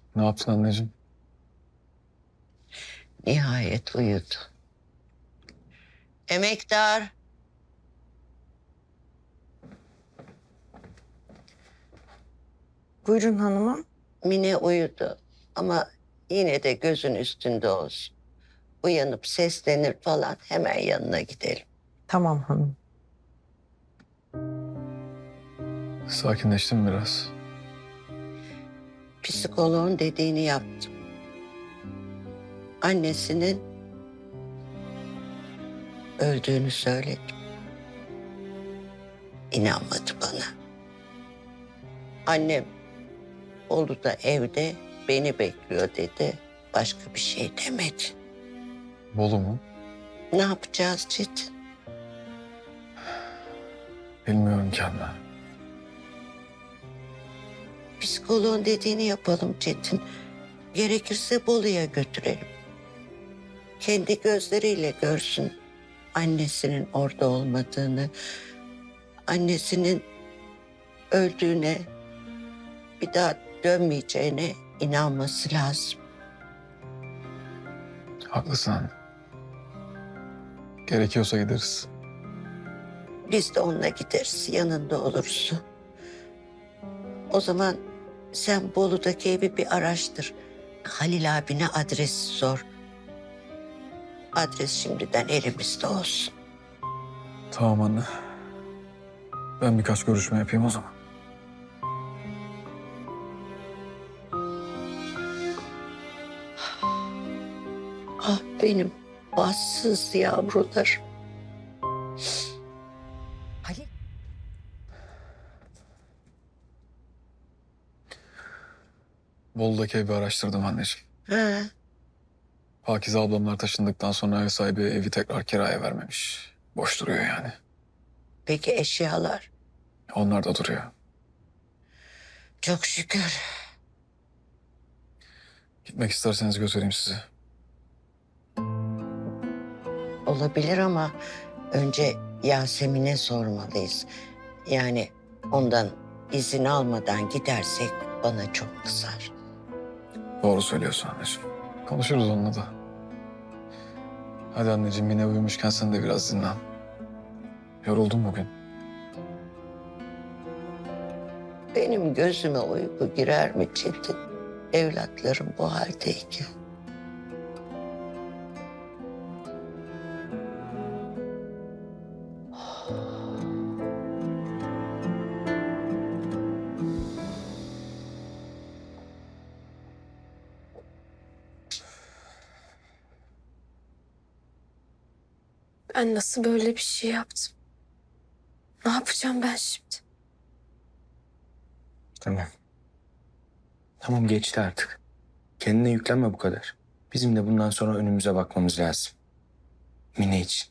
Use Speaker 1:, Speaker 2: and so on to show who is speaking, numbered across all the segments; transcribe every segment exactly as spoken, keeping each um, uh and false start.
Speaker 1: Ne yaptın anneciğim?
Speaker 2: Nihayet uyudu. Emektar.
Speaker 3: Buyurun hanımım.
Speaker 2: Mine uyudu ama yine de gözün üstünde olsun. Uyanıp seslenir falan hemen yanına gidelim.
Speaker 3: Tamam hanım.
Speaker 1: Sakinleştin mi biraz?
Speaker 2: Psikoloğun dediğini yaptım. Annesinin öldüğünü söyledim. İnanmadı bana. Annem Bolu'da evde beni bekliyor dedi. Başka bir şey demedi.
Speaker 1: Bolu mu?
Speaker 2: Ne yapacağız Çetin?
Speaker 1: Bilmiyorum ki anne.
Speaker 2: Psikoloğun dediğini yapalım Çetin. Gerekirse Bolu'ya götürelim. Kendi gözleriyle görsün annesinin orada olmadığını, annesinin öldüğüne, bir daha dönmeyeceğine inanması lazım.
Speaker 1: Haklısın anne. Gerekiyorsa gideriz.
Speaker 2: Biz de onunla gideriz, yanında oluruz. O zaman sen Bolu'daki evi bir araştır. Halil abine adresi sor. Adres şimdiden elimizde olsun.
Speaker 1: Tamam anne. Ben birkaç görüşme yapayım o zaman.
Speaker 2: Ah benim bahtsız yavrularım.
Speaker 3: Halil.
Speaker 1: Bolu'daki evi araştırdım anneciğim.
Speaker 2: Ha,
Speaker 1: Pakize ablamlar taşındıktan sonra ev sahibi evi tekrar kiraya vermemiş. Boş duruyor yani.
Speaker 2: peki eşyalar?
Speaker 1: Onlar da duruyor.
Speaker 2: Çok şükür.
Speaker 1: Gitmek isterseniz götüreyim sizi.
Speaker 2: Olabilir ama önce Yasemin'e sormalıyız. Yani ondan izin almadan gidersek bana çok kızar.
Speaker 1: Doğru söylüyorsun anneciğim. Konuşuruz onunla da. Hadi anneciğim yine uyumuşken sen de biraz dinlen. Yoruldun bugün.
Speaker 2: Benim gözüme uyku girer mi Çetin? Evlatlarım bu haldeyken.
Speaker 4: Ben nasıl böyle bir şey yaptım? Ne yapacağım ben şimdi?
Speaker 5: Tamam. Tamam geçti artık. Kendine yüklenme bu kadar. Bizim de bundan sonra önümüze bakmamız lazım. Mine için.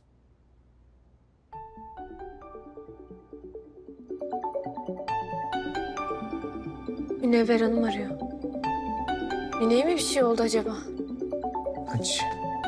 Speaker 4: Münevver Hanım arıyor. Mine'ye mi bir şey oldu acaba?
Speaker 5: Aç.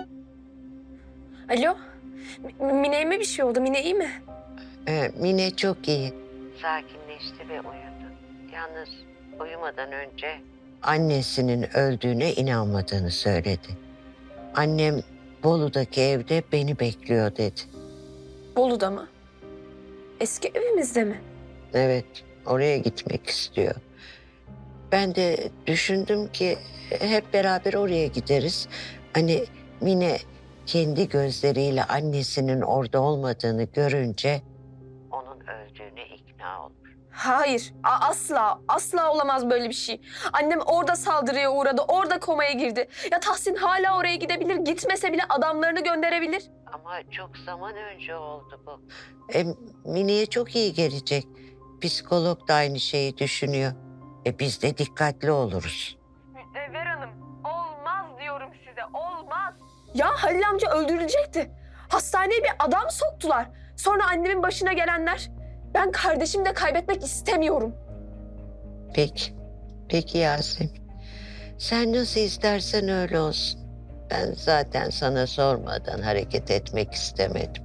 Speaker 4: Alo? M- Mine'ye mi bir şey oldu? Mine iyi mi?
Speaker 2: Ee, Mine çok iyi. Sakinleşti ve uyudu. Yalnız uyumadan önce annesinin öldüğüne inanmadığını söyledi. Annem Bolu'daki evde beni bekliyor dedi.
Speaker 4: Bolu'da mı? Eski evimizde mi?
Speaker 2: Evet, oraya gitmek istiyor. Ben de düşündüm ki hep beraber oraya gideriz. Hani Mine kendi gözleriyle annesinin orada olmadığını görünce onun öldüğüne ikna olur.
Speaker 4: Hayır. A- asla. Asla olamaz böyle bir şey. Annem orada saldırıya uğradı. Orada komaya girdi. Ya Tahsin hala oraya gidebilir. Gitmese bile adamlarını gönderebilir.
Speaker 2: Ama çok zaman önce oldu bu. E, Mine'ye çok iyi gelecek. Psikolog da aynı şeyi düşünüyor. E biz de dikkatli oluruz.
Speaker 4: Münevver Hanım, olmaz diyorum size, olmaz. Ya Halil amca öldürülecekti. Hastaneye bir adam soktular. Sonra annemin başına gelenler. Ben kardeşimi de kaybetmek istemiyorum.
Speaker 2: Peki, peki Yasemin. Sen nasıl istersen öyle olsun. Ben zaten sana sormadan hareket etmek istemedim.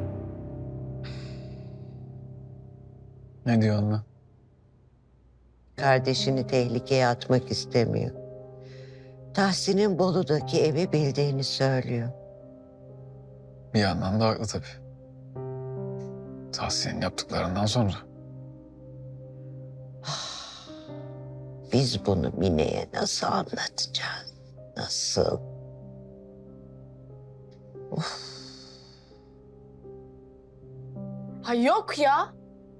Speaker 1: Ne diyor anne?
Speaker 2: Kardeşini tehlikeye atmak istemiyor. Tahsin'in Bolu'daki evi bildiğini söylüyor.
Speaker 1: Bir yandan da haklı tabii. Tahsin'in yaptıklarından sonra.
Speaker 2: Biz bunu Mine'ye nasıl anlatacağız? Nasıl?
Speaker 4: Ha yok ya.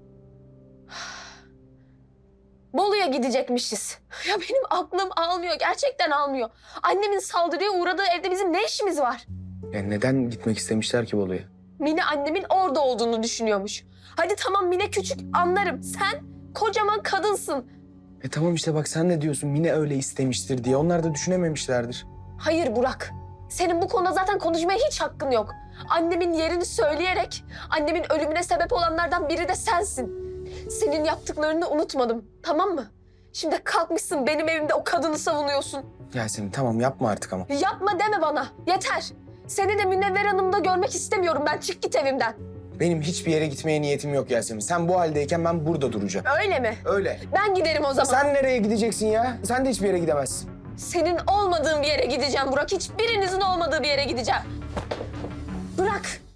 Speaker 4: Bolu'ya gidecekmişiz. Ya benim aklım almıyor, gerçekten almıyor. Annemin saldırıya uğradığı evde bizim ne işimiz var?
Speaker 5: Ya neden gitmek istemişler ki Bolu'ya?
Speaker 4: Mine annemin orada olduğunu düşünüyormuş. Hadi tamam Mine küçük, anlarım. Sen kocaman kadınsın.
Speaker 5: E tamam işte bak sen de diyorsun Mine öyle istemiştir diye. Onlar da düşünememişlerdir.
Speaker 4: Hayır Burak. Senin bu konuda zaten konuşmaya hiç hakkın yok. Annemin yerini söyleyerek annemin ölümüne sebep olanlardan biri de sensin. Senin yaptıklarını unutmadım, tamam mı? Şimdi kalkmışsın benim evimde o kadını savunuyorsun.
Speaker 5: Yasemin tamam yapma artık ama.
Speaker 4: Yapma deme bana, yeter. Seni de Münevver Hanım'da görmek istemiyorum ben. Çık git evimden.
Speaker 5: Benim hiçbir yere gitmeye niyetim yok Yasemin. Sen bu haldeyken ben burada duracağım.
Speaker 4: Öyle mi?
Speaker 5: Öyle.
Speaker 4: Ben giderim o zaman.
Speaker 5: Sen nereye gideceksin ya? Sen de hiçbir yere gidemezsin.
Speaker 4: Senin olmadığın bir yere gideceğim Burak. Hiçbirinizin olmadığı bir yere gideceğim. Bırak.